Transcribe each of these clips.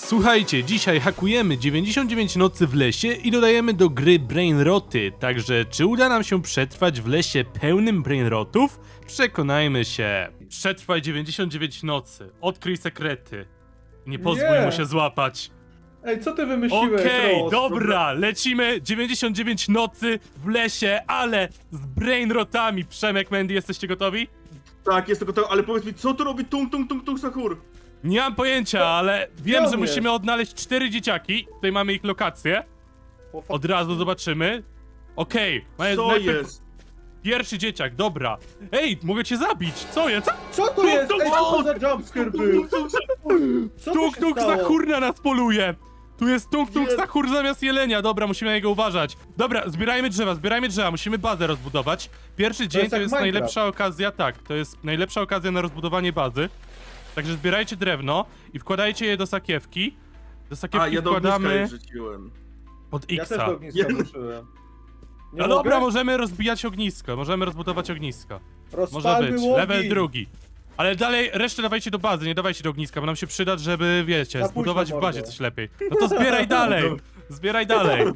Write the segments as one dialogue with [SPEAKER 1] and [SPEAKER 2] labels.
[SPEAKER 1] Słuchajcie, dzisiaj hakujemy 99 nocy w lesie i dodajemy do gry brainroty, także czy uda nam się przetrwać w lesie pełnym brainrotów? Przekonajmy się. Przetrwaj 99 nocy, odkryj sekrety. Nie pozwól mu się złapać.
[SPEAKER 2] Ej, co ty wymyśliłeś?
[SPEAKER 1] Okej,
[SPEAKER 2] Ross?
[SPEAKER 1] dobra, lecimy 99 nocy w lesie, ale z brainrotami. Przemek, Mandy, jesteście gotowi?
[SPEAKER 3] Tak, jest to gotowe, ale powiedz mi, co tu robi tung Sahur?
[SPEAKER 1] Nie mam pojęcia, ale wiem,
[SPEAKER 2] on
[SPEAKER 1] że
[SPEAKER 2] jest?
[SPEAKER 1] musimy odnaleźć 4 dzieciaki. Tutaj mamy ich lokację.
[SPEAKER 2] O, fuck.
[SPEAKER 1] Od razu zobaczymy. Okej,
[SPEAKER 3] Co
[SPEAKER 1] najpierw
[SPEAKER 3] jest?
[SPEAKER 1] pierwszy dzieciak, dobra. Ej, mogę cię zabić, co jest?
[SPEAKER 2] Co to jest? Ej, co to za jumpscare był? Co tu się
[SPEAKER 1] Tung
[SPEAKER 2] stało?
[SPEAKER 1] Sahur na nas poluje. Tu jest Tung
[SPEAKER 3] Nie.
[SPEAKER 1] Sahur zamiast jelenia, dobra, musimy na niego uważać. Dobra, zbierajmy drzewa, musimy bazę rozbudować. Pierwszy dzień
[SPEAKER 2] jest
[SPEAKER 1] to
[SPEAKER 2] jak
[SPEAKER 1] jest
[SPEAKER 2] Minecraft.
[SPEAKER 1] najlepsza okazja, tak, to jest najlepsza okazja na rozbudowanie bazy. Także zbierajcie drewno i wkładajcie je do sakiewki. Do sakiewki
[SPEAKER 3] A, ja do ogniska
[SPEAKER 1] wkładamy
[SPEAKER 3] je wrzuciłem.
[SPEAKER 1] od
[SPEAKER 2] Ja też
[SPEAKER 1] X-a.
[SPEAKER 2] do ogniska wróciłem. Nie
[SPEAKER 1] No dobra,
[SPEAKER 2] mogę?
[SPEAKER 1] możemy rozbijać ognisko, możemy rozbudować ognisko. Może
[SPEAKER 2] Rozpalmy
[SPEAKER 1] być,
[SPEAKER 2] łogień.
[SPEAKER 1] level drugi. Ale dalej, resztę dawajcie do bazy, nie dawajcie do ogniska, bo nam się przyda, żeby, wiecie,
[SPEAKER 2] Za późno,
[SPEAKER 1] zbudować w bazie
[SPEAKER 2] mordo.
[SPEAKER 1] coś lepiej. No to zbieraj dalej, zbieraj dalej.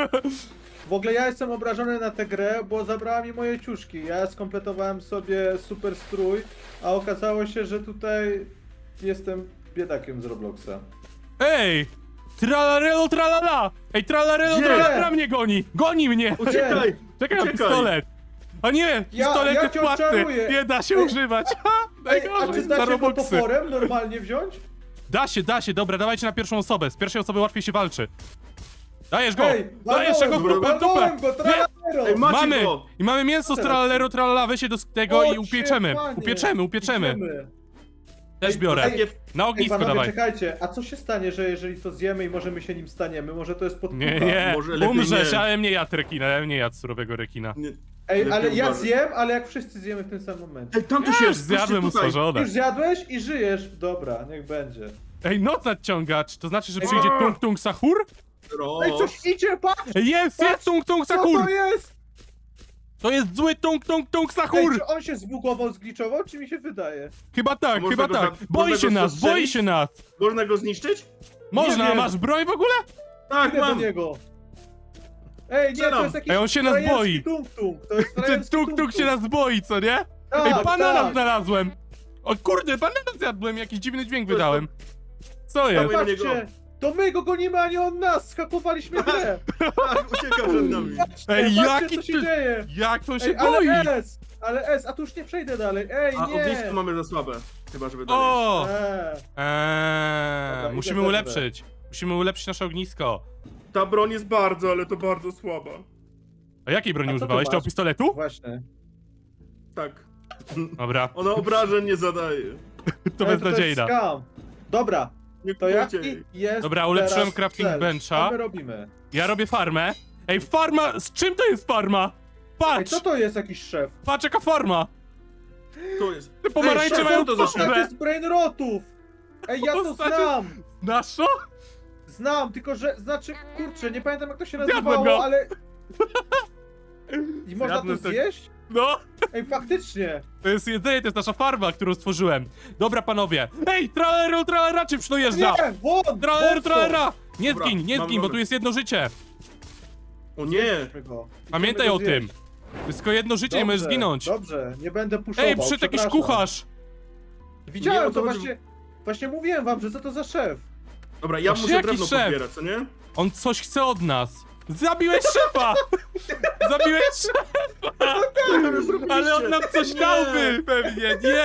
[SPEAKER 2] W ogóle ja jestem obrażony na tę grę, bo zabrała mi moje ciuszki. Ja skompletowałem sobie super strój, a okazało się, że tutaj jestem biedakiem z Robloxa.
[SPEAKER 1] Ej! Tralarelo, tralala! Ej, tralarelo,
[SPEAKER 3] Gdzie?
[SPEAKER 1] tralala mnie goni! Goni mnie!
[SPEAKER 3] Uciekaj!
[SPEAKER 1] Czekaj na
[SPEAKER 3] uciekaj.
[SPEAKER 1] pistolet! O nie! Pistolet
[SPEAKER 2] ja
[SPEAKER 1] jest
[SPEAKER 2] cię
[SPEAKER 1] płatny!
[SPEAKER 2] odczaruję.
[SPEAKER 1] Nie da się
[SPEAKER 2] Ej,
[SPEAKER 1] używać! Ha!
[SPEAKER 2] Ej, a
[SPEAKER 1] Najgorzej,
[SPEAKER 2] czy
[SPEAKER 1] za
[SPEAKER 2] dacie go
[SPEAKER 1] robuxy.
[SPEAKER 2] toporem normalnie wziąć?
[SPEAKER 1] Da się, dobra, dawajcie na pierwszą osobę. Z pierwszej osoby łatwiej się walczy. Dajesz go!
[SPEAKER 2] Ej,
[SPEAKER 1] Dajesz go w dupę!
[SPEAKER 2] walnąłem go, tralalero!
[SPEAKER 3] Ej, macie
[SPEAKER 1] Mamy!
[SPEAKER 3] go!
[SPEAKER 1] I mamy mięso z
[SPEAKER 2] Teraz.
[SPEAKER 1] tralalero, tralala, weź się do tego i
[SPEAKER 2] O,
[SPEAKER 1] upieczemy.
[SPEAKER 2] panie.
[SPEAKER 1] Upieczemy.
[SPEAKER 2] Idziemy.
[SPEAKER 1] Też
[SPEAKER 2] Ej,
[SPEAKER 1] biorę.
[SPEAKER 2] ej,
[SPEAKER 1] Na
[SPEAKER 2] Ej,
[SPEAKER 1] ognisko
[SPEAKER 2] panowie,
[SPEAKER 1] dawaj.
[SPEAKER 2] czekajcie, a co się stanie, że jeżeli to zjemy i może my się nim staniemy? Może to jest podpucha?
[SPEAKER 1] Nie,
[SPEAKER 3] Może lepiej
[SPEAKER 1] umrzesz,
[SPEAKER 3] nie.
[SPEAKER 1] ale mnie jadł rekina, ale mnie jadł surowego rekina.
[SPEAKER 3] Nie.
[SPEAKER 2] Ej,
[SPEAKER 3] Lepiej
[SPEAKER 2] ale ja
[SPEAKER 3] uważaj.
[SPEAKER 2] zjem, ale jak wszyscy zjemy w tym samym momencie.
[SPEAKER 3] Ej, tam tu
[SPEAKER 1] Ja
[SPEAKER 3] się
[SPEAKER 1] już
[SPEAKER 3] jest,
[SPEAKER 1] zjadłem
[SPEAKER 3] tutaj.
[SPEAKER 1] usmażone.
[SPEAKER 2] Już zjadłeś i żyjesz? Dobra, niech będzie.
[SPEAKER 1] Ej, noc nadciągacz, to znaczy, że
[SPEAKER 2] Ej,
[SPEAKER 1] przyjdzie
[SPEAKER 3] a.
[SPEAKER 1] Tung Sahur?
[SPEAKER 2] Ej, coś idzie, patrz!
[SPEAKER 1] Ej, jest Tung
[SPEAKER 2] Co
[SPEAKER 1] Sahur!
[SPEAKER 2] to jest?
[SPEAKER 1] To jest zły Tung
[SPEAKER 2] Ej,
[SPEAKER 1] Sahur!
[SPEAKER 2] czy on się zbugował, zgliczował, czy mi się wydaje?
[SPEAKER 1] Chyba tak,
[SPEAKER 3] Można
[SPEAKER 1] chyba
[SPEAKER 3] go
[SPEAKER 1] tak.
[SPEAKER 3] za-
[SPEAKER 1] Boi
[SPEAKER 3] można
[SPEAKER 1] się
[SPEAKER 3] go
[SPEAKER 1] nas,
[SPEAKER 3] zastrzelić?
[SPEAKER 1] boi się nas!
[SPEAKER 3] Można go zniszczyć?
[SPEAKER 1] Można,
[SPEAKER 2] wiem.
[SPEAKER 1] masz broń w ogóle?
[SPEAKER 3] Tak,
[SPEAKER 2] Idę do
[SPEAKER 3] mam!
[SPEAKER 2] niego. Ej, nie, to
[SPEAKER 3] Strzelam.
[SPEAKER 2] jest jakiś
[SPEAKER 1] Ej, on się nas
[SPEAKER 2] frajerski
[SPEAKER 1] boi.
[SPEAKER 2] tung-tung. To jest
[SPEAKER 1] Ten
[SPEAKER 2] frajerski
[SPEAKER 1] Tung się
[SPEAKER 2] tung-tung.
[SPEAKER 1] nas boi, co nie?
[SPEAKER 2] Tak,
[SPEAKER 1] Ej, banana
[SPEAKER 2] tak.
[SPEAKER 1] znalazłem! O kurde, banana zjadłem, jakiś dziwny dźwięk wydałem. Co jest?
[SPEAKER 3] Dawaj.
[SPEAKER 2] Patrzcie, to my go gonimy, a nie on nas! Skakowaliśmy grę!
[SPEAKER 3] Tak, ucieka przed nami.
[SPEAKER 2] Patrzcie,
[SPEAKER 1] Ej,
[SPEAKER 2] patrzcie,
[SPEAKER 1] jaki
[SPEAKER 2] co się
[SPEAKER 1] ty-
[SPEAKER 2] dzieje!
[SPEAKER 1] Jak to się
[SPEAKER 2] Ej,
[SPEAKER 1] boi?
[SPEAKER 2] ale S, a tu już nie przejdę dalej. Ej,
[SPEAKER 3] A
[SPEAKER 2] nie!
[SPEAKER 3] ognisko mamy za słabe. Chyba, żeby dalej.
[SPEAKER 1] O!
[SPEAKER 2] Dobra,
[SPEAKER 1] Musimy
[SPEAKER 2] idę
[SPEAKER 1] ulepszyć. Musimy ulepszyć nasze ognisko.
[SPEAKER 3] Ta broń jest bardzo, ale to bardzo słaba.
[SPEAKER 1] A jakiej broni
[SPEAKER 2] A co ty
[SPEAKER 1] używałeś? Tego
[SPEAKER 2] masz?
[SPEAKER 1] pistoletu?
[SPEAKER 2] Właśnie.
[SPEAKER 3] Tak.
[SPEAKER 1] Dobra,
[SPEAKER 3] Ona obrażeń nie zadaje.
[SPEAKER 1] to
[SPEAKER 2] Ej, jest
[SPEAKER 1] beznadziejna.
[SPEAKER 2] scam. Dobra,
[SPEAKER 3] Nie
[SPEAKER 2] to jaki
[SPEAKER 3] kupujcie jej.
[SPEAKER 2] jest
[SPEAKER 1] Dobra, ulepszyłem
[SPEAKER 2] teraz
[SPEAKER 1] crafting
[SPEAKER 2] cel?
[SPEAKER 1] bencha.
[SPEAKER 2] Co my robimy?
[SPEAKER 1] Ja robię farmę. Ej, farma! Z czym to jest farma?
[SPEAKER 2] Ej,
[SPEAKER 1] Patrz!
[SPEAKER 2] co to jest jakiś szef?
[SPEAKER 1] Patrz jaka farma!
[SPEAKER 3] To jest.
[SPEAKER 1] Te pomarańcze
[SPEAKER 3] szef,
[SPEAKER 1] mają
[SPEAKER 3] co to za
[SPEAKER 1] twarze.
[SPEAKER 2] Tak jest brainrotów! Ej, ja to
[SPEAKER 1] Postacie-
[SPEAKER 2] znam!
[SPEAKER 1] Znasz to?
[SPEAKER 2] Znam, tylko że, znaczy, kurczę, nie pamiętam jak to się
[SPEAKER 1] Zjadłem
[SPEAKER 2] nazywało,
[SPEAKER 1] go.
[SPEAKER 2] ale... I można to
[SPEAKER 1] Zjadłem tego.
[SPEAKER 2] zjeść?
[SPEAKER 1] No!
[SPEAKER 2] Ej, faktycznie!
[SPEAKER 1] To jest jedzenie, to jest nasza farma, którą stworzyłem. Dobra, panowie. Ej, tralero, tralera, czym przyjeżdża?
[SPEAKER 2] Nie, won!
[SPEAKER 1] Tralero,
[SPEAKER 2] won
[SPEAKER 1] tralera! Nie
[SPEAKER 3] Dobra,
[SPEAKER 1] zgin, nie
[SPEAKER 3] mam
[SPEAKER 1] zgin, bo
[SPEAKER 3] nowy.
[SPEAKER 1] tu jest jedno życie.
[SPEAKER 3] O nie!
[SPEAKER 2] stąd. Go.
[SPEAKER 1] Pamiętaj
[SPEAKER 2] Chcemy
[SPEAKER 1] o
[SPEAKER 2] go
[SPEAKER 1] tym.
[SPEAKER 2] zjeść.
[SPEAKER 1] To jest tylko jedno życie, nie możesz
[SPEAKER 2] Dobrze,
[SPEAKER 1] zginąć.
[SPEAKER 2] Dobrze, nie będę puszował,
[SPEAKER 1] Ej, przyszedł jakiś
[SPEAKER 2] przepraszam.
[SPEAKER 1] kucharz.
[SPEAKER 3] Nie,
[SPEAKER 2] Widziałem
[SPEAKER 3] o co
[SPEAKER 2] to
[SPEAKER 3] chodzi?
[SPEAKER 2] właśnie mówiłem wam, że co to za szef.
[SPEAKER 3] Dobra, ja
[SPEAKER 1] Właśnie
[SPEAKER 3] muszę
[SPEAKER 1] jaki
[SPEAKER 3] drewno
[SPEAKER 1] szef?
[SPEAKER 3] pozbierać, co nie?
[SPEAKER 1] On coś chce od nas. Zabiłeś szefa! Zabiłeś szefa! Ale on nam coś
[SPEAKER 3] Nie.
[SPEAKER 1] dałby pewnie, nie!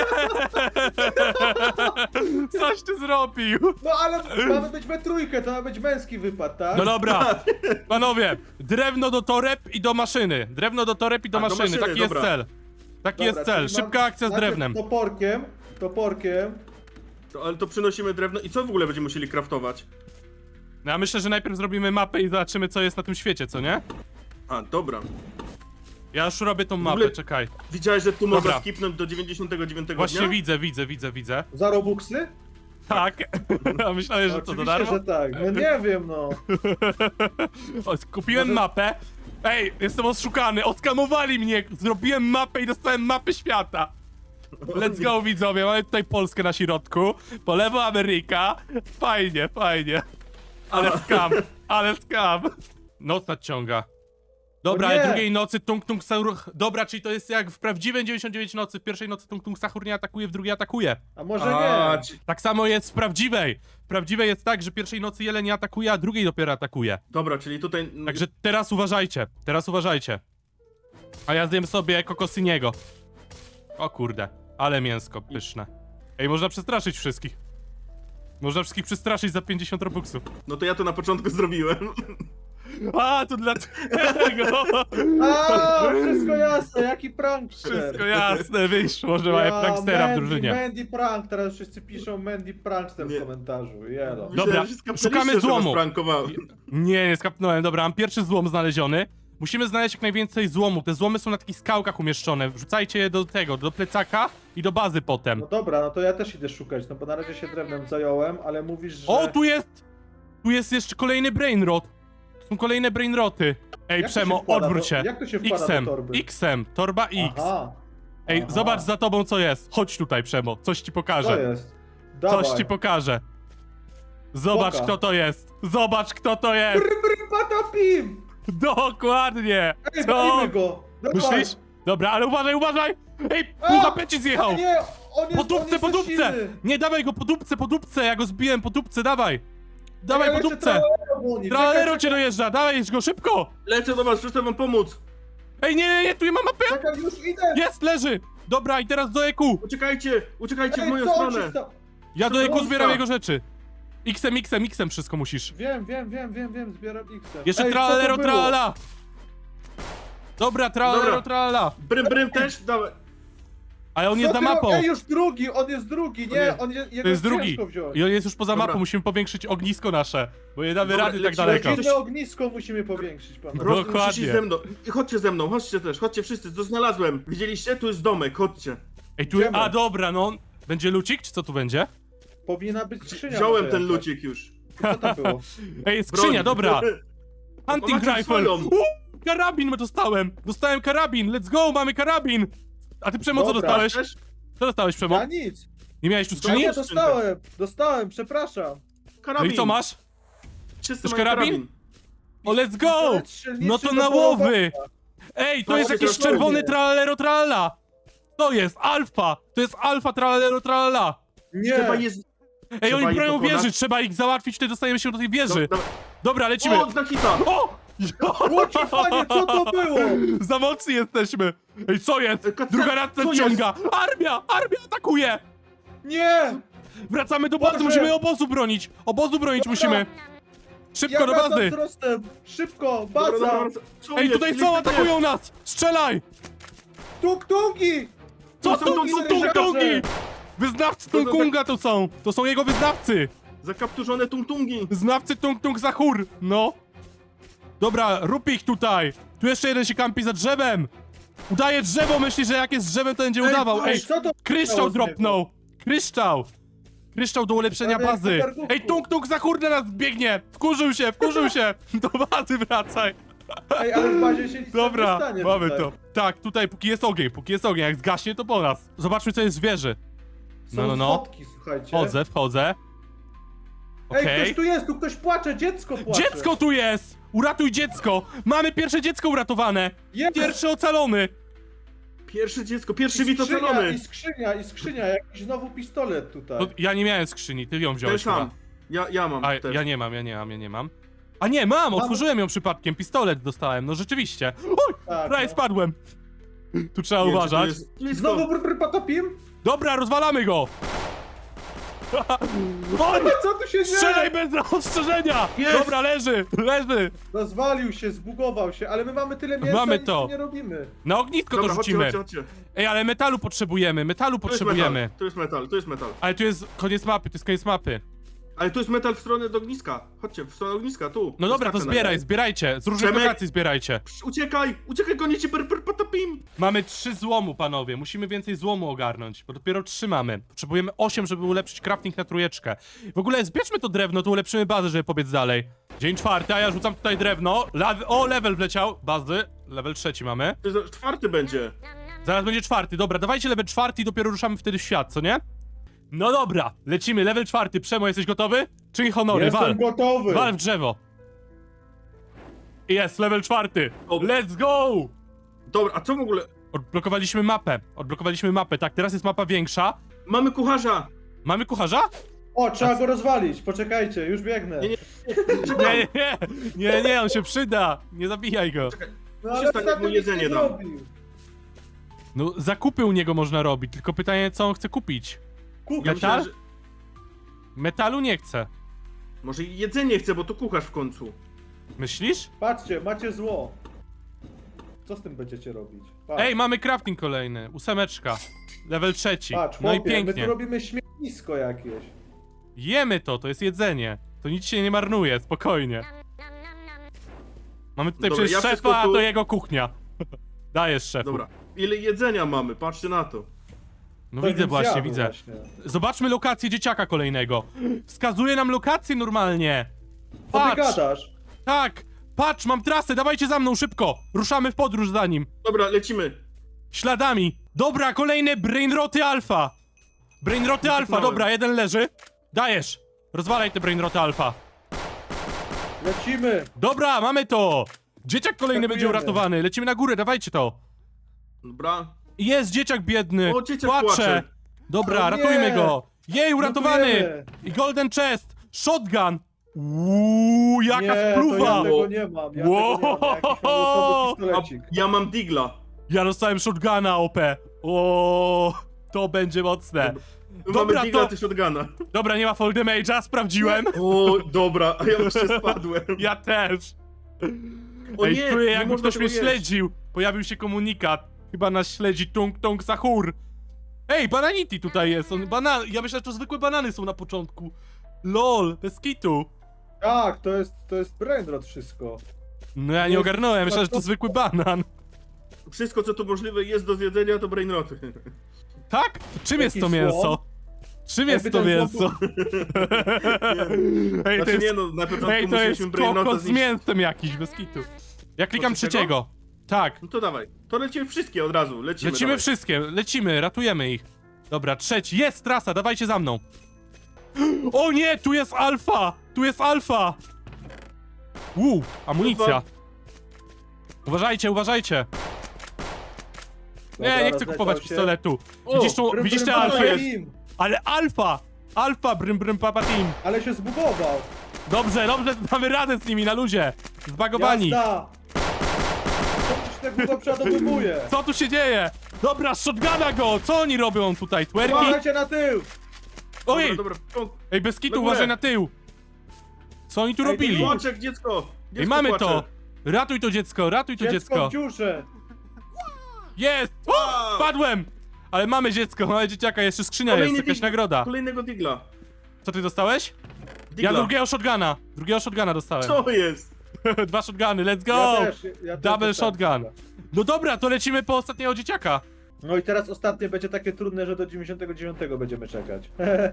[SPEAKER 1] Coś ty zrobił!
[SPEAKER 2] No ale mamy być we trójkę, to ma być męski wypad, tak?
[SPEAKER 1] No dobra, panowie, drewno do toreb i do maszyny. Drewno do toreb i do
[SPEAKER 3] A, do
[SPEAKER 1] maszyny,
[SPEAKER 3] maszyny,
[SPEAKER 1] taki
[SPEAKER 3] dobra.
[SPEAKER 1] jest cel. Taki
[SPEAKER 2] Dobra,
[SPEAKER 1] jest cel,
[SPEAKER 2] czyli mam
[SPEAKER 1] szybka akcja z
[SPEAKER 2] najpierw
[SPEAKER 1] drewnem.
[SPEAKER 2] Toporkiem.
[SPEAKER 3] Ale to przynosimy drewno i co w ogóle będziemy musieli craftować?
[SPEAKER 1] No, ja myślę, że najpierw zrobimy mapę i zobaczymy, co jest na tym świecie, co nie?
[SPEAKER 3] A, dobra.
[SPEAKER 1] Ja już robię tą
[SPEAKER 3] ogóle-
[SPEAKER 1] mapę, czekaj.
[SPEAKER 3] Widziałeś, że tu
[SPEAKER 1] Dobra.
[SPEAKER 3] można skipnąć do 99
[SPEAKER 1] Właśnie
[SPEAKER 3] dnia?
[SPEAKER 1] widzę.
[SPEAKER 2] Za robuxy?
[SPEAKER 1] Tak. A myślałeś, że to
[SPEAKER 2] Oczywiście,
[SPEAKER 1] za darmo?
[SPEAKER 2] że tak. No nie wiem, no.
[SPEAKER 1] O, kupiłem
[SPEAKER 2] Może-
[SPEAKER 1] mapę. Ej, jestem oszukany, oskamowali mnie. Zrobiłem mapę i dostałem mapę świata. Let's go, widzowie, mamy tutaj Polskę na środku, po lewo Ameryka. Fajnie, fajnie. Ale skam, ale skam. Noc nadciąga. Dobra,
[SPEAKER 2] O nie!
[SPEAKER 1] ale drugiej nocy Tung Tung Sahur... Dobra, czyli to jest jak w prawdziwym 99 nocy. W pierwszej nocy Tung Tung Sahur nie atakuje, w drugiej atakuje.
[SPEAKER 2] A może
[SPEAKER 3] A,
[SPEAKER 2] nie?
[SPEAKER 1] Tak samo jest w prawdziwej. W prawdziwej jest tak, że pierwszej nocy jeleń nie atakuje, a drugiej dopiero atakuje.
[SPEAKER 3] Dobra, czyli tutaj...
[SPEAKER 1] Także teraz uważajcie, teraz uważajcie. A ja zjem sobie kokosyniego. O kurde, ale mięsko pyszne. Ej, można przestraszyć wszystkich. Można wszystkich przestraszyć za 50 robuxów.
[SPEAKER 3] No to ja to na początku zrobiłem.
[SPEAKER 1] A, to dlatego.
[SPEAKER 2] A, wszystko jasne, jaki prankster.
[SPEAKER 1] Wszystko jasne, wyszło, że mamy prankstera w drużynie.
[SPEAKER 2] Mandy prank, teraz wszyscy piszą Mandy prankster
[SPEAKER 3] Nie.
[SPEAKER 2] w komentarzu, jelo.
[SPEAKER 1] Dobra,
[SPEAKER 3] Myślałem, że skapnęliście,
[SPEAKER 1] szukamy
[SPEAKER 3] że was
[SPEAKER 1] złomu.
[SPEAKER 3] prankowałem.
[SPEAKER 1] Nie skapnąłem, dobra, mam pierwszy złom znaleziony. Musimy znaleźć jak najwięcej złomu. Te złomy są na takich skałkach umieszczone. Wrzucajcie je do tego, do plecaka i do bazy potem.
[SPEAKER 2] No dobra, no to ja też idę szukać, no bo na razie się drewnem zająłem, ale mówisz, że...
[SPEAKER 1] O, tu jest! Tu jest jeszcze kolejny brainrot. Tu są kolejne brainroty. Ej,
[SPEAKER 2] Jak to się
[SPEAKER 1] Przemo,
[SPEAKER 2] wkłada
[SPEAKER 1] odwróć
[SPEAKER 2] do-
[SPEAKER 1] się.
[SPEAKER 2] jak to się wkłada
[SPEAKER 1] X-em,
[SPEAKER 2] do torby?
[SPEAKER 1] X-em, torba X.
[SPEAKER 2] Aha.
[SPEAKER 1] Ej,
[SPEAKER 2] Aha.
[SPEAKER 1] zobacz za tobą co jest. Chodź tutaj, Przemo, coś ci
[SPEAKER 2] Co
[SPEAKER 1] pokażę.
[SPEAKER 2] jest? Dawaj.
[SPEAKER 1] Coś ci pokażę. Zobacz
[SPEAKER 2] Poka.
[SPEAKER 1] kto to jest. Zobacz kto to jest.
[SPEAKER 2] Brr, patapim!
[SPEAKER 1] Dokładnie.
[SPEAKER 2] Ej,
[SPEAKER 1] Co?
[SPEAKER 2] walimy go! Dawaj.
[SPEAKER 1] Myślisz? Dobra, ale uważaj, uważaj! Ej,
[SPEAKER 2] A!
[SPEAKER 1] pół HP ci
[SPEAKER 2] A
[SPEAKER 1] zjechał!
[SPEAKER 2] nie, on jest,
[SPEAKER 1] Po
[SPEAKER 2] on
[SPEAKER 1] dupce,
[SPEAKER 2] jest
[SPEAKER 1] po
[SPEAKER 2] za
[SPEAKER 1] dupce!
[SPEAKER 2] silny.
[SPEAKER 1] Nie, dawaj go po dupce, ja go zbiłem po dupce, dawaj! Dawaj
[SPEAKER 2] Ja
[SPEAKER 1] po
[SPEAKER 2] jeszcze
[SPEAKER 1] dupce!
[SPEAKER 2] tralero goni.
[SPEAKER 1] Tralero
[SPEAKER 2] Czekaj,
[SPEAKER 1] cię dojeżdża, dawaj go szybko!
[SPEAKER 3] Lecę do was, chcę wam pomóc.
[SPEAKER 1] Ej, nie, tu nie ma mapy!
[SPEAKER 2] Czekaj, już idę!
[SPEAKER 1] Jest, leży! Dobra, i teraz do EQ!
[SPEAKER 3] Uciekajcie w
[SPEAKER 2] Ej,
[SPEAKER 3] moją
[SPEAKER 2] co on
[SPEAKER 3] stronę.
[SPEAKER 2] się sta...
[SPEAKER 1] Ja do EQ
[SPEAKER 3] Polska.
[SPEAKER 1] zbieram jego rzeczy. X-em wszystko musisz.
[SPEAKER 2] Wiem, zbieram X.
[SPEAKER 1] Jeszcze
[SPEAKER 2] Ej, co to
[SPEAKER 1] tralero,
[SPEAKER 2] było?
[SPEAKER 1] tralala! Dobra, tralero,
[SPEAKER 3] Dobra.
[SPEAKER 1] tralala!
[SPEAKER 3] Brym też? Dawaj.
[SPEAKER 1] Ale on
[SPEAKER 2] Co
[SPEAKER 1] jest za
[SPEAKER 2] ty
[SPEAKER 1] mapą!
[SPEAKER 2] Ej, już drugi, on jest drugi, nie,
[SPEAKER 3] Nie.
[SPEAKER 2] on jest, jego
[SPEAKER 1] To jest drugi.
[SPEAKER 2] ciężko wziąć.
[SPEAKER 1] I on jest już poza
[SPEAKER 3] Dobra.
[SPEAKER 1] mapą, musimy powiększyć ognisko nasze. Bo nie damy
[SPEAKER 3] Dobra,
[SPEAKER 1] rady tak
[SPEAKER 3] lecimy,
[SPEAKER 1] daleko.
[SPEAKER 3] lecimy.
[SPEAKER 2] Jedno ognisko musimy powiększyć, pan.
[SPEAKER 1] Dokładnie.
[SPEAKER 3] Musicie ze mną. I chodźcie ze mną, chodźcie też, chodźcie wszyscy, co znalazłem. Widzieliście? Tu jest domek, chodźcie.
[SPEAKER 1] Ej, tu.
[SPEAKER 2] Idziemy.
[SPEAKER 1] A dobra, no. Będzie lucik, czy co tu będzie?
[SPEAKER 2] Powinna być skrzynia.
[SPEAKER 3] Wziąłem
[SPEAKER 2] może
[SPEAKER 3] ten
[SPEAKER 2] jakaś.
[SPEAKER 3] lucik już.
[SPEAKER 2] Co tam było?
[SPEAKER 1] Ej, skrzynia,
[SPEAKER 3] Broń.
[SPEAKER 1] dobra. Hunting
[SPEAKER 3] Macie
[SPEAKER 1] rifle.
[SPEAKER 3] swoją.
[SPEAKER 1] Karabin dostałem. Dostałem karabin. Let's go, mamy karabin. A ty Przemo, co
[SPEAKER 2] Dobra.
[SPEAKER 1] dostałeś?
[SPEAKER 3] Też?
[SPEAKER 1] Co dostałeś, Przemo?
[SPEAKER 2] Ja nic.
[SPEAKER 1] Nie miałeś tu
[SPEAKER 2] Ja
[SPEAKER 1] skrzyni?
[SPEAKER 2] nie dostałem, przepraszam.
[SPEAKER 1] No
[SPEAKER 3] Karabin.
[SPEAKER 1] i co masz?
[SPEAKER 3] Wszyscy
[SPEAKER 1] Chcesz
[SPEAKER 3] mają
[SPEAKER 1] karabin? O, let's go!
[SPEAKER 2] Pistolet strzelniczy
[SPEAKER 1] No to
[SPEAKER 2] do
[SPEAKER 1] na
[SPEAKER 2] polowania.
[SPEAKER 1] łowy! Ej, to
[SPEAKER 3] No,
[SPEAKER 1] jest
[SPEAKER 3] chodźcie,
[SPEAKER 1] jakiś
[SPEAKER 3] chodźcie.
[SPEAKER 1] czerwony tralero tralala. To jest alfa. To jest alfa tralero tralala.
[SPEAKER 3] Trzeba
[SPEAKER 2] Nie.
[SPEAKER 3] jest...
[SPEAKER 1] Ej,
[SPEAKER 3] Trzeba
[SPEAKER 1] oni
[SPEAKER 3] ich
[SPEAKER 1] bronią
[SPEAKER 3] pokonać.
[SPEAKER 1] wieży, trzeba ich załatwić, wtedy dostajemy się do tej wieży.
[SPEAKER 3] Dobra.
[SPEAKER 1] Dobra, lecimy.
[SPEAKER 3] O, zna hita!
[SPEAKER 1] O!
[SPEAKER 2] Łoci, panie, co to było?
[SPEAKER 1] Za mocni jesteśmy! Ej, co jest?
[SPEAKER 3] Kaca-
[SPEAKER 1] Druga raz
[SPEAKER 3] co
[SPEAKER 1] nadciąga! Armia! Armia atakuje!
[SPEAKER 2] Nie!
[SPEAKER 1] Wracamy do bazy,
[SPEAKER 2] Boże!
[SPEAKER 1] musimy obozu bronić! Obozu bronić
[SPEAKER 2] Dobra.
[SPEAKER 1] musimy! Szybko
[SPEAKER 2] Ja
[SPEAKER 1] do
[SPEAKER 2] wracam
[SPEAKER 1] bazy!
[SPEAKER 2] wzrostem! Szybko,
[SPEAKER 3] Dobra,
[SPEAKER 2] baza!
[SPEAKER 3] dobra, co
[SPEAKER 1] Ej,
[SPEAKER 3] jest?
[SPEAKER 1] tutaj są, atakują nas! Strzelaj!
[SPEAKER 2] Tuk-tuki!
[SPEAKER 1] Co
[SPEAKER 3] są
[SPEAKER 1] to
[SPEAKER 3] tung-
[SPEAKER 1] są
[SPEAKER 3] tung-
[SPEAKER 1] tung-tungi? Wyznawcy
[SPEAKER 3] To są
[SPEAKER 1] Tung-Kunga to są! To są jego wyznawcy!
[SPEAKER 3] Zakapturzone tung-tungi.
[SPEAKER 1] Znawcy Tung-Tung Sahur! No! Dobra, rób ich tutaj! Tu jeszcze jeden się kampi za drzewem! Udaje drzewo, myśli, że jak jest drzewem, to będzie udawał! Ej,
[SPEAKER 2] co to
[SPEAKER 1] kryształ
[SPEAKER 2] było z niego?
[SPEAKER 1] dropnął! Kryształ! Kryształ do ulepszenia
[SPEAKER 2] Prawie jak
[SPEAKER 1] bazy!
[SPEAKER 2] po garnku.
[SPEAKER 1] Ej, Tung-Tung Sahur na nas biegnie! Wkurzył się! Do bazy wracaj!
[SPEAKER 2] Ej, ale w bazie się nic nie
[SPEAKER 1] Dobra,
[SPEAKER 2] stanie
[SPEAKER 1] mamy
[SPEAKER 2] tutaj.
[SPEAKER 1] to. Tak, tutaj póki jest ogień, jak zgaśnie to po nas. Zobaczmy co jest w wieży.
[SPEAKER 2] Są
[SPEAKER 1] No.
[SPEAKER 2] schodki, słuchajcie.
[SPEAKER 1] Wchodzę.
[SPEAKER 2] Ej,
[SPEAKER 1] Okej.
[SPEAKER 2] ktoś tu jest, tu ktoś płacze, dziecko płacze.
[SPEAKER 1] Dziecko tu jest! Uratuj dziecko! Mamy pierwsze dziecko uratowane!
[SPEAKER 2] Jest!
[SPEAKER 1] Pierwszy ocalony!
[SPEAKER 3] Pierwsze dziecko, pierwszy
[SPEAKER 2] I
[SPEAKER 3] wit ocalony.
[SPEAKER 2] I skrzynia, jakiś znowu pistolet tutaj.
[SPEAKER 1] No, ja nie miałem skrzyni, ty ją
[SPEAKER 3] Ten
[SPEAKER 1] wziąłeś
[SPEAKER 3] sam.
[SPEAKER 1] chyba.
[SPEAKER 3] Ja mam
[SPEAKER 1] A,
[SPEAKER 3] też.
[SPEAKER 1] ja nie mam. A nie, mam! Otworzyłem ją przypadkiem, pistolet dostałem, no rzeczywiście. Uj,
[SPEAKER 2] Tak,
[SPEAKER 1] prawie
[SPEAKER 2] no.
[SPEAKER 1] spadłem. Tu trzeba
[SPEAKER 3] Nie, czy to
[SPEAKER 1] uważać.
[SPEAKER 3] jest blisko.
[SPEAKER 2] Znowu patopim?
[SPEAKER 1] Dobra, rozwalamy go! Oj,
[SPEAKER 2] Co tu się dzieje?
[SPEAKER 1] strzelaj bez ostrzeżenia!
[SPEAKER 3] Jest!
[SPEAKER 1] Dobra, leży!
[SPEAKER 2] Rozwalił się, zbugował się, ale my mamy tyle mięsa
[SPEAKER 1] Mamy
[SPEAKER 2] i nic
[SPEAKER 1] to.
[SPEAKER 2] nie robimy.
[SPEAKER 1] Na ognisko
[SPEAKER 3] Dobra,
[SPEAKER 1] to
[SPEAKER 3] chodźcie,
[SPEAKER 1] rzucimy.
[SPEAKER 3] chodźcie.
[SPEAKER 1] Ej, ale metalu potrzebujemy,
[SPEAKER 3] To jest metal.
[SPEAKER 1] Ale tu jest koniec mapy,
[SPEAKER 3] Ale tu jest metal w stronę do ogniska. Chodźcie, w stronę ogniska, tu.
[SPEAKER 1] No dobra, to
[SPEAKER 3] Skaczę na nie.
[SPEAKER 1] zbierajcie, z różnych
[SPEAKER 3] Przemek?
[SPEAKER 1] lokacji zbierajcie.
[SPEAKER 3] Uciekaj, gonicie patapim.
[SPEAKER 1] Mamy 3 złomu, panowie, musimy więcej złomu ogarnąć, bo dopiero 3 mamy. Potrzebujemy 8, żeby ulepszyć crafting na 3. W ogóle zbierzmy to drewno, to ulepszymy bazę, żeby pobiec dalej. Dzień 4, a ja rzucam tutaj drewno. O, level wleciał, bazy, level 3 mamy.
[SPEAKER 3] To jest 4 będzie.
[SPEAKER 1] Zaraz będzie 4, dobra, dawajcie level 4 i dopiero ruszamy wtedy w świat, co nie? No dobra, lecimy, level 4. Przemo, jesteś gotowy? Czyń honory, wal.
[SPEAKER 2] Jestem gotowy!
[SPEAKER 1] Wal w drzewo. Jest, level 4.
[SPEAKER 3] Dobra.
[SPEAKER 1] Let's go!
[SPEAKER 3] Dobra, a co w ogóle?
[SPEAKER 1] Odblokowaliśmy mapę, tak, teraz jest mapa większa.
[SPEAKER 3] Mamy kucharza!
[SPEAKER 1] Mamy kucharza?
[SPEAKER 2] O, trzeba go rozwalić, poczekajcie, już biegnę.
[SPEAKER 3] Nie,
[SPEAKER 1] Nie, on się przyda. Nie zabijaj go.
[SPEAKER 2] No ale
[SPEAKER 3] Przestań,
[SPEAKER 2] ostatnio
[SPEAKER 3] mu
[SPEAKER 2] nic
[SPEAKER 3] jedzenie
[SPEAKER 2] nie
[SPEAKER 3] dam.
[SPEAKER 2] zrobił.
[SPEAKER 1] No, zakupy u niego można robić, tylko pytanie, co on chce kupić.
[SPEAKER 2] Kucharz.
[SPEAKER 3] Ja
[SPEAKER 1] Metal?
[SPEAKER 3] myślałem, że...
[SPEAKER 1] Metalu nie chce.
[SPEAKER 3] Może i jedzenie chce, bo to kucharz w końcu.
[SPEAKER 1] Myślisz?
[SPEAKER 2] Patrzcie, macie zło. Co z tym będziecie robić? Patrz,
[SPEAKER 1] Ej, mamy crafting kolejny. 8. Level 3.
[SPEAKER 2] patrz,
[SPEAKER 1] No i
[SPEAKER 2] chłopie, my
[SPEAKER 1] pięknie.
[SPEAKER 2] tu robimy śmietnisko jakieś.
[SPEAKER 1] Jemy to jest jedzenie. To nic się nie marnuje, spokojnie. Mamy tutaj
[SPEAKER 3] Dobra,
[SPEAKER 1] przecież
[SPEAKER 3] ja
[SPEAKER 1] szefa,
[SPEAKER 3] wszystko
[SPEAKER 1] a
[SPEAKER 3] tu-
[SPEAKER 1] to jego kuchnia. Dajesz, szefu.
[SPEAKER 3] Dobra. Ile jedzenia mamy? Patrzcie na to.
[SPEAKER 1] No
[SPEAKER 2] To
[SPEAKER 1] widzę
[SPEAKER 2] bym
[SPEAKER 1] właśnie,
[SPEAKER 2] zjadł
[SPEAKER 1] widzę.
[SPEAKER 2] właśnie.
[SPEAKER 1] Zobaczmy lokację dzieciaka kolejnego. Wskazuje nam lokację normalnie.
[SPEAKER 2] Co ty
[SPEAKER 1] Patrz,
[SPEAKER 2] gadasz?
[SPEAKER 1] tak, patrz, mam trasę, dawajcie za mną, szybko. Ruszamy w podróż za nim.
[SPEAKER 3] Dobra, lecimy.
[SPEAKER 1] Śladami. Dobra, kolejne brainroty alfa. Brainroty alfa,
[SPEAKER 3] Wypchnąłem.
[SPEAKER 1] dobra, jeden leży. Dajesz. Rozwalaj te brainroty alfa.
[SPEAKER 2] Lecimy!
[SPEAKER 1] Dobra, mamy to. Dzieciak kolejny będzie
[SPEAKER 2] Skakujemy.
[SPEAKER 1] uratowany. Lecimy na górę, dawajcie to.
[SPEAKER 3] Dobra.
[SPEAKER 1] Jest dzieciak biedny.
[SPEAKER 3] O, dzieciak
[SPEAKER 1] Płacze.
[SPEAKER 3] płacze.
[SPEAKER 1] Dobra,
[SPEAKER 2] O nie.
[SPEAKER 1] ratujmy go. Jej, uratowany.
[SPEAKER 2] Lutujemy.
[SPEAKER 1] I golden chest. Shotgun. jaka
[SPEAKER 2] Nie, to ja
[SPEAKER 1] spluwa.
[SPEAKER 2] tego nie mam. Ja
[SPEAKER 1] Wow.
[SPEAKER 2] tego nie mam. Jakiś losowy
[SPEAKER 3] A
[SPEAKER 2] pistolecik.
[SPEAKER 3] ja mam digla.
[SPEAKER 1] Ja dostałem shotguna OP. O, to będzie mocne. Dobra,
[SPEAKER 3] Mamy digla,
[SPEAKER 1] to-
[SPEAKER 3] ty shotguna.
[SPEAKER 1] Dobra, nie ma fall damage'a, sprawdziłem.
[SPEAKER 3] O, dobra, a ja jeszcze spadłem.
[SPEAKER 1] Ja też.
[SPEAKER 3] O
[SPEAKER 1] Ej,
[SPEAKER 3] nie,
[SPEAKER 1] czuję
[SPEAKER 3] nie
[SPEAKER 1] jakby
[SPEAKER 3] można
[SPEAKER 1] ktoś mnie
[SPEAKER 3] tego jeść.
[SPEAKER 1] śledził. Pojawił się komunikat. Chyba nas śledzi Tung Tung Sahur. Ej, Bananity tutaj jest. Ja myślę, że to zwykłe banany są na początku. LOL, bez kitu.
[SPEAKER 2] Tak, to jest brainrot wszystko.
[SPEAKER 1] No ja nie
[SPEAKER 2] Jest-
[SPEAKER 1] ogarnąłem, myślałem, że to zwykły banan.
[SPEAKER 3] Wszystko, co tu możliwe jest do zjedzenia, to brainroty.
[SPEAKER 1] Tak? Czym jest to
[SPEAKER 2] Jaki
[SPEAKER 1] mięso?
[SPEAKER 2] słon?
[SPEAKER 1] Czym jest
[SPEAKER 2] Jakby
[SPEAKER 1] to
[SPEAKER 2] ten
[SPEAKER 1] mięso? Ej, to
[SPEAKER 3] Znaczy nie
[SPEAKER 1] jest,
[SPEAKER 3] no, na początku
[SPEAKER 1] ej, to jest
[SPEAKER 3] musieliśmy brainrota
[SPEAKER 1] kokos z
[SPEAKER 3] zniszczyć.
[SPEAKER 1] mięsem jakiś, bez kitu. Ja klikam
[SPEAKER 3] To trzeciego?
[SPEAKER 1] trzeciego. Tak,
[SPEAKER 3] No to dawaj, to lecimy wszystkie od razu, lecimy dawaj.
[SPEAKER 1] wszystkie, lecimy, ratujemy ich. Dobra, trzeci, jest trasa, dawajcie za mną. O nie, tu jest alfa! Tu jest alfa! Amunicja. Uważajcie, uważajcie.
[SPEAKER 2] Dobra,
[SPEAKER 1] Nie chcę kupować
[SPEAKER 2] rozleciał się.
[SPEAKER 1] pistoletu.
[SPEAKER 3] O,
[SPEAKER 1] Widzisz te
[SPEAKER 2] Brym,
[SPEAKER 1] alfy?
[SPEAKER 2] brym, brym.
[SPEAKER 1] Ale alfa! Alfa, brym brym papa team.
[SPEAKER 2] Ale się zbugował.
[SPEAKER 1] Dobrze, damy radę z nimi na luzie. Zbagowani.
[SPEAKER 2] Jazda! Co się tak długo przeładowywuje?
[SPEAKER 1] Co tu się dzieje? Dobra, shotguna go! Co oni robią tutaj? Twerki?
[SPEAKER 2] Uważajcie na tył!
[SPEAKER 1] Ojej!
[SPEAKER 3] Dobra,
[SPEAKER 1] Ej, bez kitu,
[SPEAKER 3] Na górę.
[SPEAKER 1] uważaj na tył! Co oni tu
[SPEAKER 2] Ej,
[SPEAKER 1] robili?
[SPEAKER 3] Płaczek, dziecko!
[SPEAKER 1] Ej, mamy to! Ratuj to dziecko, ratuj to
[SPEAKER 2] Dziecko
[SPEAKER 1] dziecko!
[SPEAKER 2] w dziurze!
[SPEAKER 1] Jest!
[SPEAKER 3] Wow!
[SPEAKER 1] Spadłem! Ale mamy dziecko, mamy dzieciaka, jeszcze skrzynia jest, jakaś nagroda.
[SPEAKER 3] Kolejnego digla.
[SPEAKER 1] Co ty dostałeś?
[SPEAKER 3] Digla.
[SPEAKER 1] Ja drugiego shotguna dostałem.
[SPEAKER 3] Co jest?
[SPEAKER 1] 2 shotguny, let's
[SPEAKER 2] Ja
[SPEAKER 1] go!
[SPEAKER 2] też
[SPEAKER 1] Double
[SPEAKER 2] dostałem
[SPEAKER 1] shotgun.
[SPEAKER 2] chyba.
[SPEAKER 1] No dobra, to lecimy po ostatniego dzieciaka.
[SPEAKER 2] No i teraz ostatnie będzie takie trudne, że do 99 będziemy czekać.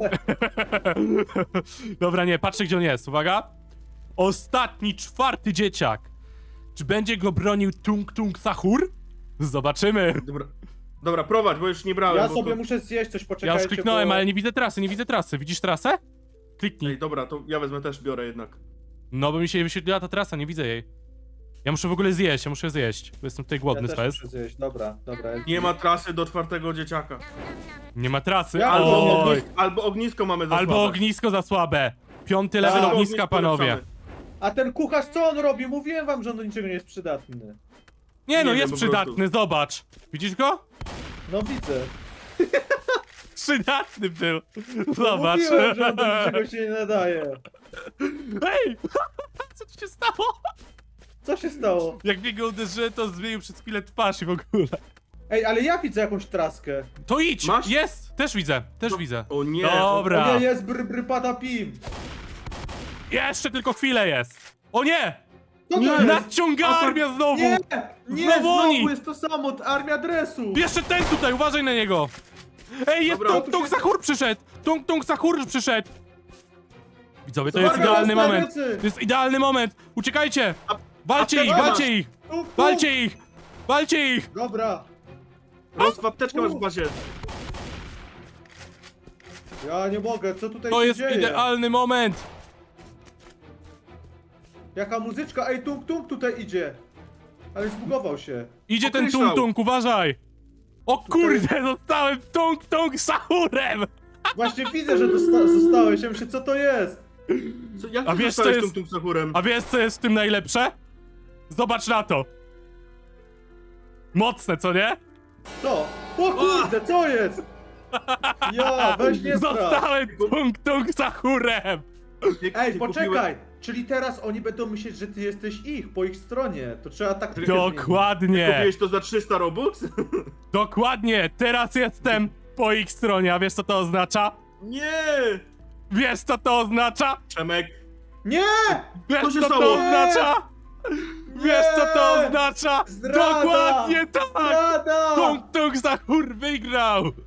[SPEAKER 1] Dobra, nie, patrzę gdzie on jest, uwaga. Ostatni, 4 dzieciak. Czy będzie go bronił Tung Tung Sahur? Zobaczymy.
[SPEAKER 3] Dobra, prowadź, bo już nie brałem.
[SPEAKER 2] Ja
[SPEAKER 3] bo
[SPEAKER 2] sobie
[SPEAKER 3] to...
[SPEAKER 2] muszę zjeść coś,
[SPEAKER 1] Ja
[SPEAKER 2] poczekajcie.
[SPEAKER 1] już kliknąłem,
[SPEAKER 2] bo...
[SPEAKER 1] ale nie widzę trasy, nie widzę trasy. Widzisz trasę? Kliknij.
[SPEAKER 3] Ej, dobra, to ja wezmę też, biorę jednak.
[SPEAKER 1] No bo mi się wyświetliła ta trasa, nie widzę jej. Ja muszę w ogóle zjeść, bo jestem tutaj
[SPEAKER 2] Ja
[SPEAKER 1] głodny,
[SPEAKER 2] też
[SPEAKER 1] Spes.
[SPEAKER 2] muszę zjeść, dobra.
[SPEAKER 3] Nie ma trasy do 4 dzieciaka.
[SPEAKER 1] Nie ma trasy,
[SPEAKER 2] Ja-
[SPEAKER 1] oj.
[SPEAKER 3] Albo ognisko mamy za
[SPEAKER 1] Albo
[SPEAKER 3] słabe.
[SPEAKER 1] ognisko za słabe. 5. level
[SPEAKER 2] Albo
[SPEAKER 1] ogniska,
[SPEAKER 3] ognisko
[SPEAKER 1] panowie.
[SPEAKER 3] lepszamy.
[SPEAKER 2] A ten kucharz co on robi? Mówiłem wam, że on do niczego nie jest przydatny.
[SPEAKER 1] Nie no,
[SPEAKER 3] Nie wiem,
[SPEAKER 1] jest
[SPEAKER 3] po
[SPEAKER 1] przydatny, zobacz. Widzisz go?
[SPEAKER 2] No widzę.
[SPEAKER 1] Przydatny był.
[SPEAKER 2] No
[SPEAKER 1] Zobacz.
[SPEAKER 2] mówiłem, że on do niczego się nie nadaje.
[SPEAKER 1] Ej! Co tu się stało?
[SPEAKER 2] Co się stało?
[SPEAKER 1] Jak mnie go uderzyłem, to zmienił przez chwilę twarz i w ogóle.
[SPEAKER 2] Ej, ale ja widzę jakąś traskę.
[SPEAKER 1] To idź!
[SPEAKER 3] Masz?
[SPEAKER 1] Jest! Też widzę, też widzę.
[SPEAKER 3] O nie.
[SPEAKER 1] Dobra.
[SPEAKER 2] O nie, jest pada pim.
[SPEAKER 1] Jeszcze tylko chwilę jest. O nie!
[SPEAKER 2] Co to
[SPEAKER 3] Nie.
[SPEAKER 2] jest?
[SPEAKER 1] Nadciąga armia znowu!
[SPEAKER 2] Nie! Nie,
[SPEAKER 1] Znowu oni!
[SPEAKER 2] znowu jest to samo, armia dresu!
[SPEAKER 1] Jeszcze ten tutaj, uważaj na niego! Ej, jest
[SPEAKER 3] Dobra.
[SPEAKER 1] Tung Tung Sahur przyszedł! Tung Tung Sahur przyszedł! Widzowie, to
[SPEAKER 2] Zobacz,
[SPEAKER 1] jest idealny
[SPEAKER 2] na
[SPEAKER 1] moment!
[SPEAKER 2] ręce.
[SPEAKER 1] To jest idealny moment! Uciekajcie! Walcie
[SPEAKER 3] a
[SPEAKER 1] ich,
[SPEAKER 3] ten
[SPEAKER 1] walcie ich!
[SPEAKER 2] Tu, tu.
[SPEAKER 1] Walcie ich! Walcie ich!
[SPEAKER 2] Dobra.
[SPEAKER 3] Roz, apteczkę masz w bazie.
[SPEAKER 2] Ja nie mogę, co tutaj
[SPEAKER 1] To
[SPEAKER 2] się
[SPEAKER 1] jest
[SPEAKER 2] dzieje?
[SPEAKER 1] idealny moment!
[SPEAKER 2] Jaka muzyczka? Ej, tung tung tutaj idzie. Ale zbugował się.
[SPEAKER 1] Idzie ten
[SPEAKER 3] Określał.
[SPEAKER 1] tung-tung, uważaj! O kurde, zostałem tung-tung sahurem!
[SPEAKER 2] Właśnie widzę, że zostałeś. Ja myślę, co to jest?
[SPEAKER 3] Co, jak
[SPEAKER 1] A
[SPEAKER 3] ty
[SPEAKER 1] wiesz, co
[SPEAKER 3] dostałeś
[SPEAKER 1] jest-
[SPEAKER 3] tą Sahurem?
[SPEAKER 1] A wiesz co jest w tym najlepsze? Zobacz na to! Mocne, co nie?
[SPEAKER 2] To. O kurde, co jest? Ja, weź nie strasz.
[SPEAKER 1] Zostałem tung-tung sahurem!
[SPEAKER 2] Ej, poczekaj! Czyli teraz oni będą myśleć, że ty jesteś ich, po ich stronie. To trzeba tak
[SPEAKER 1] Dokładnie!
[SPEAKER 3] Kupiłeś to za 300 Robux?
[SPEAKER 1] Dokładnie! Teraz jestem po ich stronie, a wiesz co to oznacza?
[SPEAKER 3] Nie!
[SPEAKER 1] Wiesz co to oznacza?
[SPEAKER 3] Przemek,
[SPEAKER 2] Nie!
[SPEAKER 1] Wiesz
[SPEAKER 3] Co się
[SPEAKER 1] co to
[SPEAKER 3] stało?
[SPEAKER 1] oznacza? Wiesz co to oznacza?
[SPEAKER 2] Zdrada!
[SPEAKER 1] Dokładnie tak!
[SPEAKER 2] Zdrada!
[SPEAKER 1] Tung Tung Sahur wygrał!